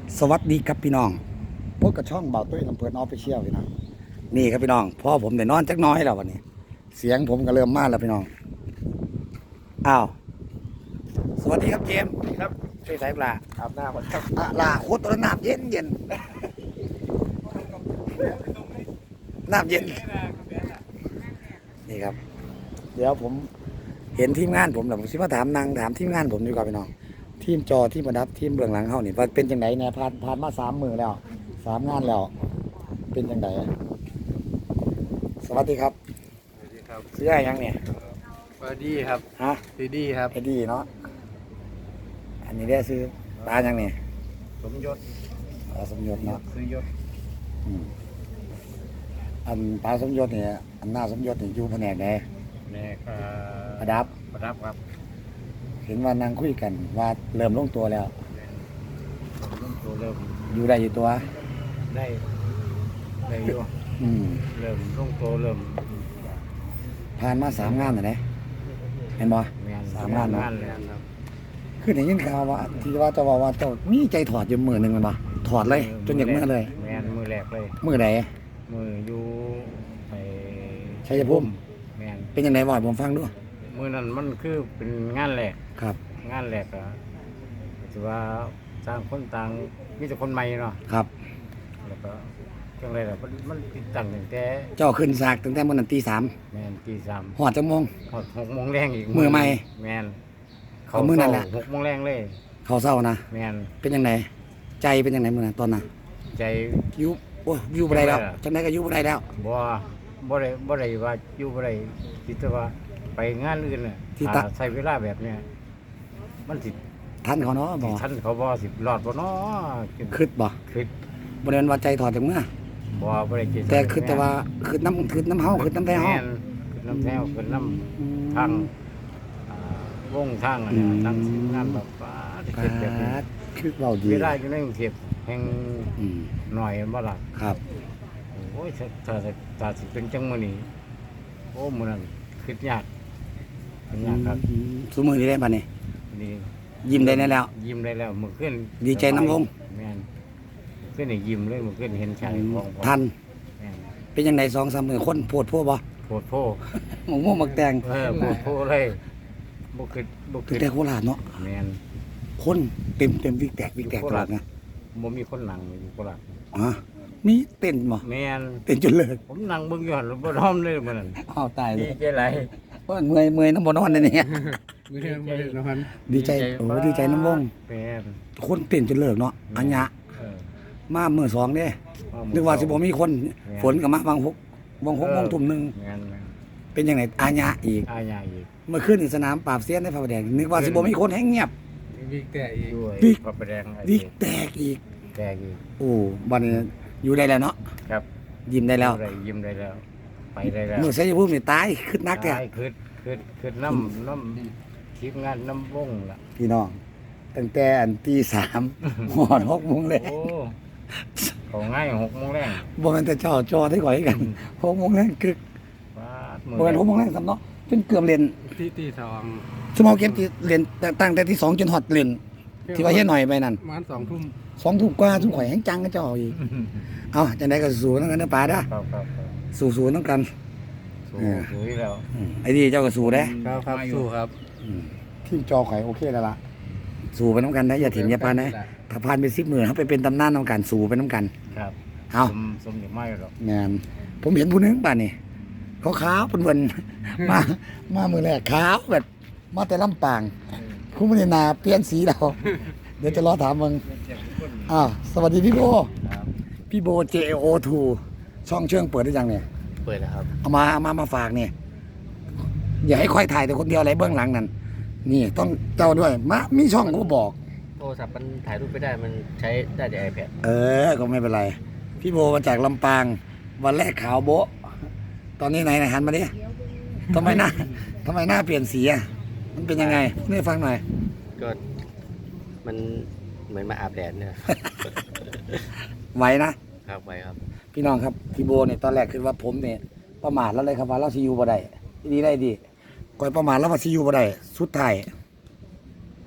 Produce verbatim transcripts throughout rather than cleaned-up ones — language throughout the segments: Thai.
สวัสดีครับพี่น้องพบกับช่องเบาตุ้ยลำเพลินออฟฟิเชียลพี่น้องนี่ครับพี่น้องพ่อผมได้นอนจักน้อยแล้ววันนี้ เสียงผมก็เริ่มมาแล้วพี่น้องอ้าวสวัสดีครับเจมส์ครับช่วยสายปลาอาบน้ำก่อนครับอ่ะลาโคตรตัวน้ำเย็นเย็นน้ำเย็นนี่ครับ เดี๋ยวผมเห็นทีมงานผมแล้วผมสิมาถามนางถามทีมงานผมดีกว่าพี่น้องทีมจอทีมประดับทีมเบื้องหลังเขานี่ว่าเป็นจังไดเนี่ยผ่านผ่านมาสามมือแล้วสามงานแล้ว เป็นจังไดสวัสดีครับสวัสดีครับซื้ออะไรยังเนี่ยสวัสดีครับฮะดีดีครับไอ้ดีเนาะอันนี้ได้ซื้อปลายังเนี่ยสมยศปลาสมยศเนาะซื้อยศอืมอันปลาสมยศเนี่ยอันหน้าสมยศเนี่ยอยู่แผนกไหนแม่ก็ประดับประดับครับเห็นว่านางคุยกันว่าเริ่มลงตัวแล้วเริ่มตัวเริ่มอยู่ได้อยู่ตัวได้ได้อยู่อืมเริ่มลงตัวเริ่มผ่านมาสามงานแล้วนะเห็นบ่แม่นสามงานเนอะงานเลยครับคือได้ยินข่าวว่าที่ว่าเจะว่าว่าเจ้ามีใจถอดอยู่มือหนึ่งมันบ่ถอดเลย จนอยากเมื่อเลยแม่นมือแรกเลยมือไหนมืออยู่ไปชัยภูมิแม่นเป็นยังไงบ่อยผมฟังด้วยมือนั้นมันคือเป็นงานแรกครับงานแรกอะถือว่าต่างคนต่างมีแต่คนใหม่เนาะครับแล้วก็จังไรล่ะมันมันติดตั้งตั้งแต่เจ้าขึ้นสากตั้งแต่มื้อนั้นตีสามแมนตีสามหอดจังโมงหกหกโมงแรงอีกมือใหม่แมนเอามื้อนั่นแหละหกโมงแรงเลยเขาเศร้านะแมนเป็นยังไงใจเป็นยังไงมื้อนั้นตอนนั้นใจอยู่โอ้ยอยู่บ่ได้แล้วจังได๋ล่ะจังได๋ก็อยู่บ่ได้แล้วบ่บ่ได้บ่ได้ว่าอยู่บ่ได้คิดแต่ว่าไปงานอื่นน่ะที่ตะถ้าใช้เวลาแบบเนี้ยมันสิทันเขาเนาะบ่ทันเขาบ่สิรอดบ่เนาะคิดบ่คิดบ่ได้ว่าใจถอดจากเมื่อบ่บ่ได้คิดแต่คิดแต่ว่าคิดน้ำคิดน้ำเฮาคิดน้ำแท้เฮาแม่นคิดน้ำแท้คิดน้ำ ทางอ่าวงทางอะไรอืมทางสิงานแบบว่าที่ปาเกิดแบบนี้ดคือเว้าดีเวลาอยู่ในกรุงเทพแห่งอืมหน่อยบ่ล่ะครับโอ้ยถ้าถ้าถ้าถ้าสิเป็นจังมื้อนี้โอ้มื้อนั้นคิดยากคิดยากครับอืมซุมื้อนี้ได้บัดนี้นี่ยิ้มได้แน่แล้วยิ้มได้แล้วมื้อคืนดีใจน้ำวงแม่นมื้อคืนนี่ยิ้มเลยมื้อคืนเห็นชายของผมทันแม่นเป็นยังไงสองสามมื้อคนโพดพวกบ่โพดโพหมกม่วงหมักแตงเออโพดโพเลยบ่คิดบ่คือคิดแต่โคราชเนาะแม่นคนเต็มเต็มวิกแตกวิกแตกตลอดนะบ่มีคนนั่งอยู่โคราชอ๋อมีเต้นบ่แม่นเต้นจนเลิกผมนั่งเบิ่งอยู่หั่นบ่พร้อมเลยมื้อนั้นอ้าวตายเลดียใจหลายเพราะเมื่อยเมื่อยน้ำบ่นอนเลยเนี่ยมื้อนี้บ่ได้นอนดีใจโอ้ดีใจน้ำวงแม่นคนเต้นจนเลิกเนาะอัญญะเออมามื้อสองเด้นึกว่าสิบ่มีคน ฝนก็มาบางหกบางหกโมงทุ่มหนึงแม่นแม่นเป็นยังไงอัญญะอีกอาญาอีกเมื่อคืนในสนามปราบเสี้ยนในพระประแดงนึกว่าสิบ่มีคนแห้งเงียบวิกแต่อีกด้วยวิกพระประแดงวิกแตกอีกแตกอีกโอ้บัดนี้อยู่ได้แล้วเนาะครับยิ้มได้แล้วได้ยิ้มได้แล้ว ไปได้แล้วเมื่อใช้ภูมินี่ตายขึ้นนักแท้ตายคือคือคือน้ำน้ำทีมงานน้ำวงล่ะพี่น้องตั้งแต่อันตีสาม หอดหกโมงเลยโอ้เขาง่ายหกโมงแรงบ่แม่นแต่เจ้าจอได้ก่อยกันหกโมงแรงคือฟาดบ่แม่นหกโมงแรงซ้ำเนาะจนเกือบเรียนที่ที่สองชั่วโมงเก็บที่เรียนตั้งแต่ที่สองจนฮอดเรียนที่ว่าเฮ็ดหน่อยไปนั่นประมาณสองทุ่มสองทุ่มกว่าทุ่มข่อยแห้งจังกับเจ้าอีกเอ้าจังได๋ก็สู้นำกันเด้อป่าเด้อครับครับครับสู้ๆนำกันสู้สู้อยู่แล้วอืมไอ้นี่เจ้าก็สู้เด้ครับครับสู้ครับอืมทีมจอข่อยโอเคแล้วล่ะสู้ไปนำกันนะอย่าถิ่มอย่าพานนะถ้าผ่านไปสิบมื้อเฮาไปเป็นตำนานนำกันสู้ไปนำกันครับเอ้าสมสมเด็จไม่หรอกแม่นผมเห็นผู้หนึงป่านนี่เขาขาวเป็นวัน มามามือแรกขาวแบบ มาแต่ลำปางคุณไม่ได้นาเปลี่ยนสีเรา เดี๋ยวจะรอถามมึงอ้าวสวัสดีพี่โบครับพี่โบ เจ โอ ทู ช่องเชื่องเปิดได้ยังเนี่ยเปิดแล้วครับเอามาเอามามาฝากเนี่ยอย่าให้ค่อยถ่ายแต่คนเดียวอะไรเบื้องหลังนั่นนี่ต้องเจ้าด้วยมามีช่องก็บอกโทรศัพท์มันถ่ายรูปไม่ได้มันใช้ได้แต่ iPad เออ ก็ไม่เป็นไร พี่โบมาจากลำปาง วันแรกขาวโบะตอนนี้ไหนไหนหันมาดิทำไมหน้าทำไมหน้าเปลี่ยนสีอ่ะ มันเป็นยังไงพูดให้ฟังหน่อยก็มันเหมือนมาอาบแดดเนี่ยไหวนะครับไปครับพี่น้องครับ พี่โบเนี่ยตอนแรกคือว่าผมเนี่ยประมาทแล้วเลยครับว่าเราซียูบ่ได้ดีได้ดีก่อยประมาทแล้วว่าซียูบ่ได้สุดท้าย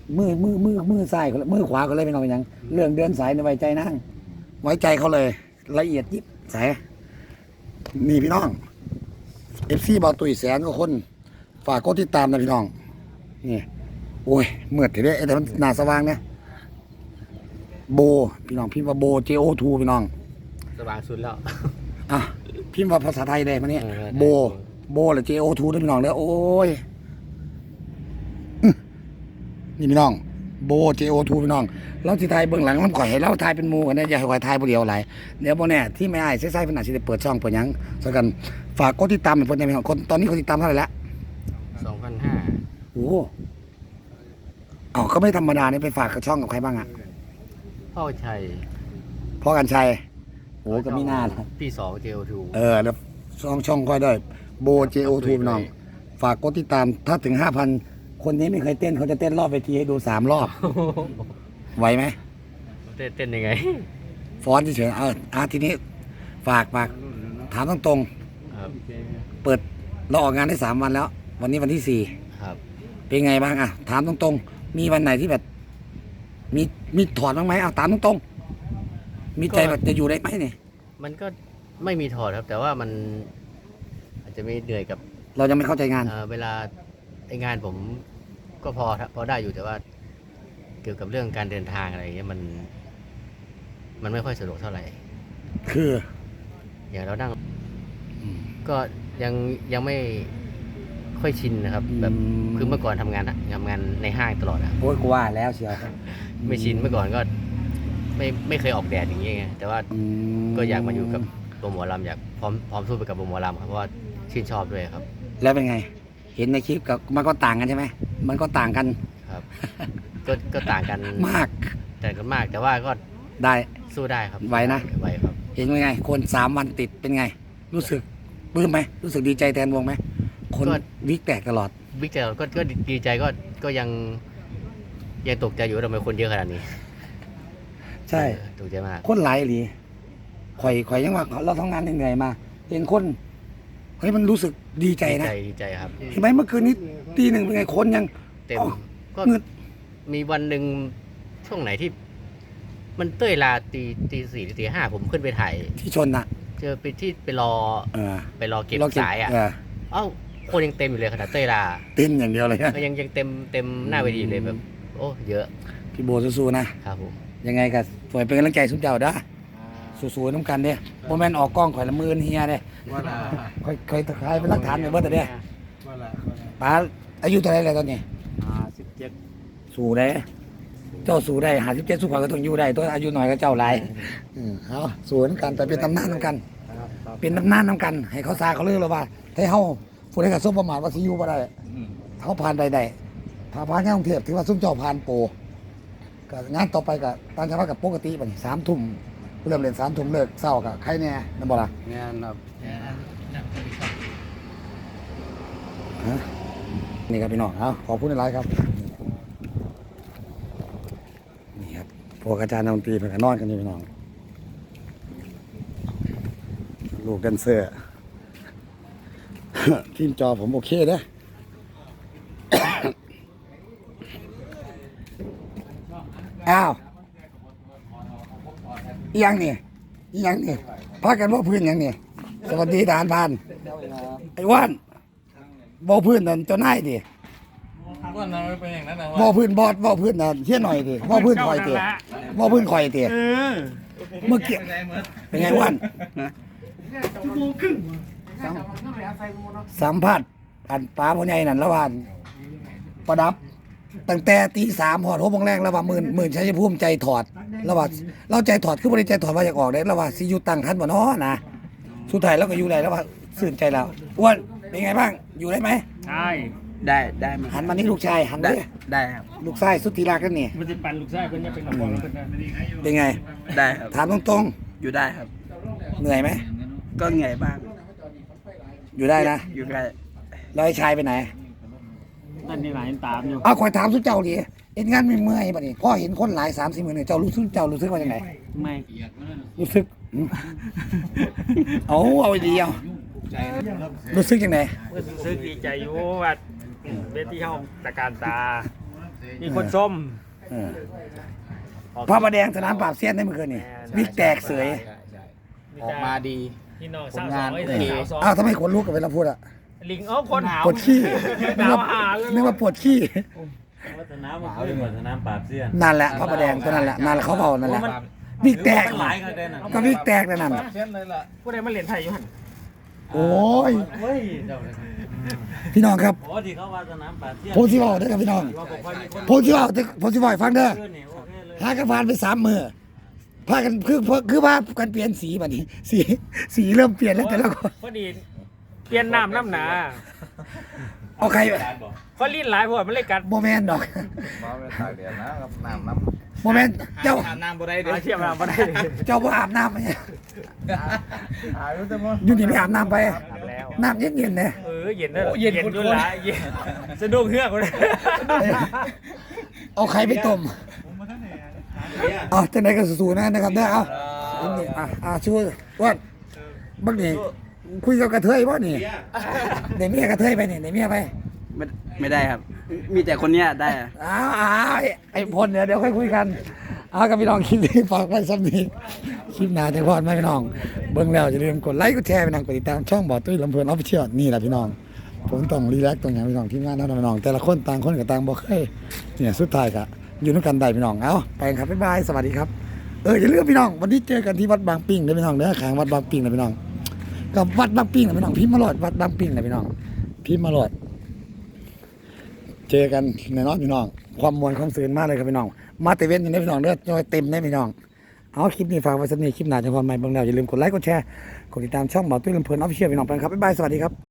มือมือมือมือซ้ายเขามือขวาเขาเลยเป็นเอาอย่างเรื่องเดินสายในไว้ใจนั่งไว้ใจเขาเลย ละเอียดยิบสายนี่พี่น้องเอฟซีบอลตุยแสนก็คนฝากกดติดตามนะพี่น้องนี่โอ้ยเมื่อถือได้แต่มันหนาสว่างเนี่ยโบพี่น้องพิมพ์ว่าโบ เจ โอ ทู พี่น้องสว่างสุดแล้วอ่ะพิมพ์ว่าภาษาไทยเลยมาเนี่ยเออโบโบหรือ เจ โอ ทู ด้วยพี่น้องแล้วโอ้ยอื้อนี่พี่น้องโบ เจ โอ ทู พี่น้องเราที่ไทยเบื้องหลังน้ำข่อยให้เราทายเป็นหมูกันเนี่ยอย่าให้ข่อยทายผู้เดียวหลายเดี๋ยวโบเนี่ยที่ไม่อายใส่ๆเพิ่นอาจจะได้เปิดช่องเปิดหยังสักกันฝากกดติดตามเป็นเพิ่นได้พี่น้องคนตอนนี้คนติดตามเท่าไหร่ละสองพันห้าโอ้อ๋อก็ไม่ธรรมดานี่ไปฝากกับช่องกับใครบ้างอ่ะพ่อชัยพ่อกันชัยโอ้ก็ไม่น่านะพี่สองเจลทูเออแล้วช่องช่องค่อยด้วยโบ เจ โอ ทู พี่น้อง ฝากกดติดตามถ้าถึงห้าพันคนนี้ไม่เคยเต้นเขาจะเต้นรอบเวทีให้ดูสามรอบ ไหวไหมเต้นเต้นยังไงฟ้อนเฉยๆเอออ่ะทีนี้ ฝากฝากถามตรงครับๆเปิดเราออกงานได้สามวันแล้ว วันนี้วันที่สี่ครับเป็นไงบ้างอ่ะ ถามตรงๆ มีวันไหนที่แบบ มีมีถอดบ้างไหมเอาตามตรงๆ มีใจแบบจะอยู่ได้ไหมเนี่ยมันก็ไม่มีถอดครับ แต่ว่ามันอาจจะมีเหนื่อยกับเรายังไม่เข้าใจงานเอ่อเวลาไองานผมก็พอพอได้อยู่แต่ว่า เกี่ยวกับเรื่องการเดินทางอะไรอย่างเงี้ยมัน มันไม่ค่อยสะดวกเท่าไหร่คืออย่างเรานั่งอืมก็ยังยังไม่ค่อยชินนะครับ แบบอืมคือเมื่อก่อนทำงานอะทำงานในห้างตลอดอะโอ้ยกูว่าแล้วเชียวไม่ชินเมื่อก่อนก็ ไม่ไม่เคยออกแดดอย่างเงี้ยไงแต่ว่ามก็อยากมาอยู่กับวงหมอลำอยากพร้อมพร้อมสู้ไปกับวงหมอลำครับเพราะว่าชื่นชอบด้วยครับแล้วเป็นไง เห็นในคลิปกับมันก็ต่างกันใช่ไหม มันก็ต่างกันครับ ก็ก็ต่างกันมากแต่างกันมาก แต่ว่าก็ได้สู้ได้ครับไหวนะไหวครับเห็นเป็นไง คนสามวันติดเป็นไง รู้สึกปลื้มไหม รู้สึกดีใจแทนวงไหม คนวิกแตกตลอดบิ๊กแต่ก็ก็ดีใจก็ก็ยังยังตกใจอยู่ว่าทำไมคนเยอะขนาดนี้ใช่เออตกใจมากคนหลายหลีข่อยข่อยยังว่าเราทำงานเหนื่อยๆมา เห็นคน เฮ้ยมันรู้สึกดีใจดีนะใจดีใจครับเห็นไหมเมื่อคืนนี้ตีหนึ่งเป็นไงคนยังเต็มอ๋อก็เงืดมีวันหนึ่งช่วงไหนที่ มันเต้ยลาตีตีสี่หรือตีห้าผมขึ้นไปถ่ายที่ชนน่ะเจอไปที่ไปรอเออไปรอเก็บเราสายอ่ะเออเอ้าคนยังเต็มอยู่เลยขนาดเต้ยลาเต้นอย่างเดียวเลยนะก็ยังยังเต็มเต็มหน้าเวทีอยู่เลยแบบ โอ้เยอะพี่โบสู้ๆนะครับผมยังไงก็สวยเป็นกำลังใจสุดเจ้าเด้อสู้ๆน้ำกันเด้โมแมนออกกล้องข่อยละหมื่นเฮียเด้ว่าละข่อยข่อยตะไคร้เป็นหลักฐานไปเบิดแต่เด้ว่าละป้าอายุเท่าไหรแล้วตอนนี้ห้าสิบเจ็ดสู้ได้ เจ้าสู้ได้หาสิบเจ็ดสู้ข่อยก็ต้องอยู่ได้ตัวอายุหน่อยก็เจ้าหลายอืมเอาสู้น้ำกันแต่เป็นตำนานน้ำกันครับครับเป็นตำนานน้ำกัน ให้เขาซาเขาเลือกแล้วว่าให้เฮาผู้ใดกับส้มประมาทว่าสิอยู่บ่ได้อืมเขาผ่านไปได้ถ้าผ่านงานกรุงเทพถือว่าซุ้มเจ้าผ่านโปรก็งานต่อไปก็ตามจังหวัดกับปกติป่ะนี่สามทุ่มเริ่มเล่นสามทุ่มเลิกเศร้ากับใครแน่นั่นบ่ล่ะงานครับฮะนี่ครับพี่น้องเอาขอบคุณหลายๆครับนี่ครับพวกอาจารย์ดนตรีเพิ่นก็นอนกันอยู่พี่น้องลูกแดนเซอร์ ทีมจอผมโอเคเด้อ อ้าวอีหยังนี่อีหยังนี่พากันว่าพื้นหยังนี่สวัสดีทหารพรานไอ้ว่านบ่พื้นนั่นเจ้านายดิว่าน้ำเป็นอย่างนั้นนะบ่พื้นบอดบ่พื้นนั่นเฮียหน่อยดิบ่พื้นข่อยติบ่พื้นข่อยติเมื่อกี้เป็นไงว่านสัมภาษณ์อันป้าพ่อใหญ่นั่นละวานประดับ ตั้งแต่ตีสามหอดหกโมงแรงแล้วว่าหมื่นหมื่นชัยภูมิใจถอดแล้วว่าเราใจถอดคือบริใจถอดว่าอยากออกได้แล้วว่าสิอยู่ตั้งทันบ่เนาะนะสุดท้ายเราก็อยู่ได้แล้วว่าสื่นใจแล้วอ้วนเป็นไงบ้างอยู่ได้ไหมใช่ได้ได้ไหมหันมานี่ลูกชายหันได้เลยได้ครับลูกชายสุดที่รักกันนี่มันจะปั่นลูกชายเพิ่นจะเป็นกระบอกแล้วเพิ่นนะเป็นไงได้ครับถามตรงอยู่ได้ครับๆเหนื่อยไหมก็เหนื่อยบ้างอยู่ได้นะอยู่ได้แล้วไอ้ชายไปไหนนั่นนี่หลายตามอยู่เอาคอยถามสุดเจ้าดิเอ็นงานไม่เมื่อยป่ะนี่พ่อเห็นคนหลายสามสี่หมื่นเนี่ยเจ้ารู้สึกเจ้ารู้สึกว่ายังไงไม่รู้สึกอืมเอาเอาไว้ดีเอารู้สึกยังไงรู้สึกดีใจอยู่ว่าเวทีเฮาตะการตามีคนส้มเออพระประแดงสนามปราบเซียนได้เมื่อคืนนี่วิกแตกเสยออกมาดีพี่น้องผลงานสาวสองโอเคสาวสองอ้าวทำไมขนลุกกับเวลาพูดอะลิงเอ้าคนหาวปวดขี้นึกหาวว่าหาเลยนึกว่าปวดขี้วัฒนามันขึ้นวัฒนาปราบเสี้ยนนั่นแหละพระประแดงตัวนั่นแหละนั่นแหละเขาเบานั่นแหละวิกแตกมันหลายกันเลยนะก็วิกแตกแล้วนั่นเช่นเลยล่ะผู้ใดมาเรียนไทยอยู่หันโอ้ยเฮ้ยเจ้าเลยพี่น้องครับโอ้ที่เขาวัฒนาปราบเสี้ยนผมสิบอกเด้อครับพี่น้องว่าบอกว่ามีคนผมสิบอกผมสิบอกให้ฟังเด้อขึ้นนี่โอเคเลยหากันผ่านไปสามมือพากันคือคือว่ากันเปลี่ยนสีบัดนี้ สีสีเริ่มเปลี่ยนแล้วแต่ละคนพอดีเปลี่ยนน้ำน้ำหนาเอาใครเพราะลิ้นหลายพวกมันเลยกัดโมแมนดอกมาเป็นตากแดดนะครับน้ำน้ำโมแมนเจ้าอาบน้ำบ่ได้เด้หาเทียบน้ำมาได้เจ้าบ่อาบน้ำไหมอาบแต่บ่อยู่นี่ไม่อาบน้ำไปอาบแล้วน้ำเย็นๆเนี่ยเออเย็นด้วยเย็นอยู่หลายเย็นสะดุ้งเฮือกเลยเอาไข่ไปต้มเอาจังไหนก็สู้ๆนะนะครับเด้อเอาอันนี้อ่ะอ่ะช่วยว่าบักนี่คุยกับกระเทยบ่นี่เดี๋ยวเมียกระเทยไปนี่เดี๋ยวเมียไปไม่ไม่ได้ครับ มีแต่คนเนี้ยได้อะอ้าวอ้าวไอ้ไอ้พลเนี่ยเดี๋ยวค่อยคุยกันเอากับพี่น้องคลิปนี้ฝากไว้สักนิดคลิปหน้าจะพอดไหมพี่น้องเบิ่งแล้วอย่าลืมกดไลค์กดแชร์พี่น้องกดติดตามช่องบ่อตุ้ยลำเพลินออฟฟิเชียลนี่แหละพี่น้องผมต้องรีแลกซ์ตรงอย่างพี่น้องทีมงานเท่านั้นพี่น้องแต่ละคนต่างคนกับต่างบ่เคยเนี่ยสุดท้ายก็อยู่ด้วยกันได้พี่น้องเอาไปกันครับบ๊ายบายสวัสดีครับเอออย่าลืมพี่น้องวันนี้เจอกันที่วัดบางปิงเด้อพี่น้องเด้อข้างวัดบางปิงนะพี่น้องกับวัดบางปิงนะพี่น้องพิมพ์มาโหลดวัดบางปิงนะพี่น้องพิมพ์มาโหลดเจอกันแน่นอนพี่น้องความมวลความสื่นมากเลยครับพี่น้องมาเตเว่นอย่างนี้พี่น้องเด้อจอยเต็มได้พี่น้องเอาคลิปนี้ฝากไว้สักนิดคลิปหน้าจะพอใหม่เบิ่งแล้วอย่าลืมกดไลค์กดแชร์กดติดตามช่องบ่อตุ้ยลำเพลินออฟฟิเชียลพี่น้องไปครับบ๊ายบายสวัสดีครับ